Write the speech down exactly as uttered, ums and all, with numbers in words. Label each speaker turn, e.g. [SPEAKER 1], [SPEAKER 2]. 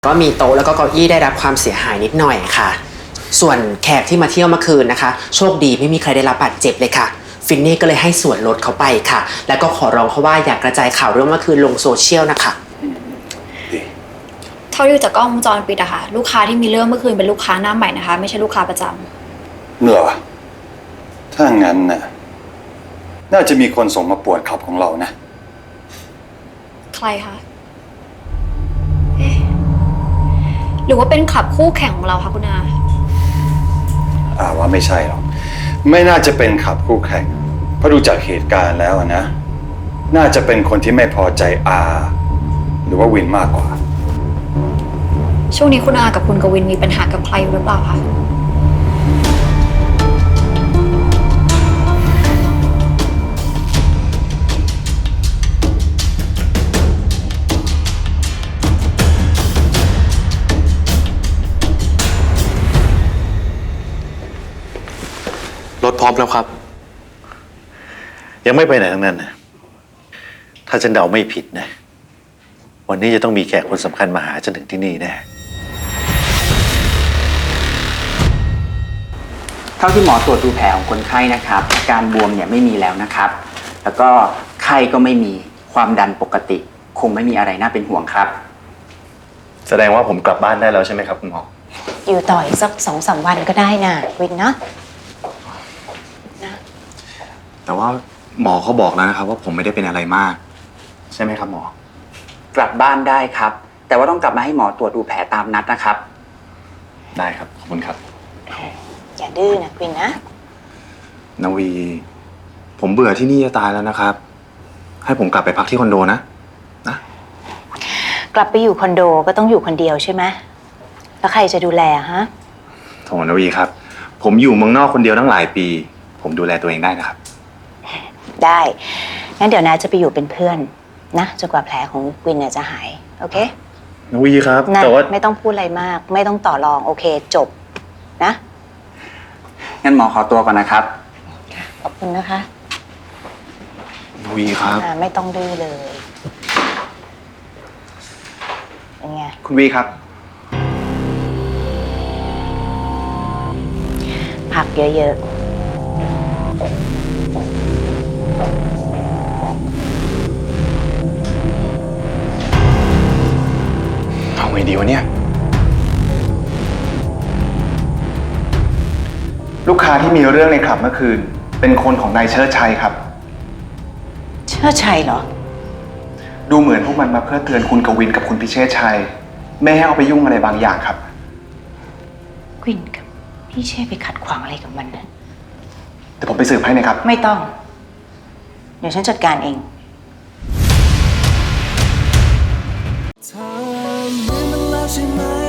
[SPEAKER 1] ก็มีโต๊ะแล้วก็เก้าอี้ได้รับความเสียหายนิดหน่อยค่ะส่วนแขกที่มาเที่ยวเมื่อคืนนะคะโชคดีไม่มีใครได้รับบาดเจ็บเลยค่ะฟินนี่ก็เลยให้ส่วนลดเขาไปค่ะแล้วก็ขอร้องเขาว่าอยากกระจายข่าวเรื่องเมื่อคืนลงโซเชียลนะคะ
[SPEAKER 2] เท่าที่ดูจากกล้องวงจรปิดอะค่ะลูกค้าที่มีเรื่องเมื่อคืนเป็นลูกค้าหน้าใหม่นะคะไม่ใช่ลูกค้าประจำ
[SPEAKER 3] เหรอถ้างั้นน่ะน่าจะมีคนส่งมาปวดขับของเรานะ
[SPEAKER 2] ใครคะเอ๊ะหรือว่าเป็นขับคู่แข่งของเราคะคุณอา
[SPEAKER 3] อ่าว่าไม่ใช่หรอกไม่น่าจะเป็นขับคู่แข่งเพราะดูจากเหตุการณ์แล้วนะน่าจะเป็นคนที่ไม่พอใจอาหรือว่าวินมากกว่า
[SPEAKER 2] ช่วงนี้คุณอากับคุณกวินมีปัญหากับใครหรือเปล่าคะ
[SPEAKER 4] รถพร้อมแล้วครับยังไม่ไปไหนทั้งนั้นนะถ้าฉันเดาไม่ผิดนะวันนี้จะต้องมีแขกคนสำคัญมาหาฉันถึงที่นี่แน่
[SPEAKER 5] เท่าที่หมอตรวจดูแผลของคนไข้นะครับอาการบวมเนี่ยไม่มีแล้วนะครับแล้วก็ไข้ก็ไม่มีความดันปกติคงไม่มีอะไรน่าเป็นห่วงครับ
[SPEAKER 6] แสดงว่าผมกลับบ้านได้แล้วใช่ไหมครับคุณหมอ
[SPEAKER 7] อยู่ต่ออีกสักสองสามวันก็ได้นะวินเนาะ
[SPEAKER 6] นะแต่ว่าหมอเขาบอกแล้วนะครับว่าผมไม่ได้เป็นอะไรมากใช่ไหมครับหมอก
[SPEAKER 5] ลับบ้านได้ครับแต่ว่าต้องกลับมาให้หมอตรวจดูแผลตามนัดนะครับ
[SPEAKER 6] ได้ครับขอบคุณครับ
[SPEAKER 7] อย่าดื้อนะวินนะ
[SPEAKER 6] นาวีผมเบื่อที่นี่จะตายแล้วนะครับให้ผมกลับไปพักที่คอนโดนะนะ
[SPEAKER 7] กลับไปอยู่คอนโดก็ต้องอยู่คนเดียวใช่ไหมแล้วใครจะดูแลฮะ
[SPEAKER 6] โถนาวีครับผมอยู่เมืองนอกคนเดียวตั้งหลายปีผมดูแลตัวเองได้นะครับ
[SPEAKER 7] ได้งั้นเดี๋ยวนาจะไปอยู่เป็นเพื่อนนะจนกว่าแผลของวินเนี่ยจะหายโอเค
[SPEAKER 6] นาวีครับ
[SPEAKER 7] นะแต่ว่าไม่ต้องพูดอะไรมากไม่ต้องต่อรองโอเคจบนะ
[SPEAKER 5] งั้นหมอขอตัวก่อนนะครับ
[SPEAKER 7] ขอบคุณนะคะ
[SPEAKER 6] นาวีครับ
[SPEAKER 7] ไม่ต้องดื้อเลยเป็นไง
[SPEAKER 6] คุณวีครับ
[SPEAKER 7] ผักเยอะๆ
[SPEAKER 6] เอาไงดีวะเนี่ยลูกค้าที่มีเรื่องในคลับเมื่อคืนเป็นคนของนายเชิดชัยครับ
[SPEAKER 7] เชิดชัยเหรอ
[SPEAKER 6] ดูเหมือนพวกมันมาเพื่อเตือนคุณกวินกับคุณพิเชษชัยไม่ให้เอาไปยุ่งอะไรบางอย่างครับ
[SPEAKER 7] กวินกับพี่เชษไปขัดขวางอะไรกับมันนะ
[SPEAKER 6] เดี๋ยวผมไปสืบให้นะครับ
[SPEAKER 7] ไม่ต้องเดี๋ยวฉันจัดการเอง
[SPEAKER 8] เธอเหมือนมันแล้วใช่ไหม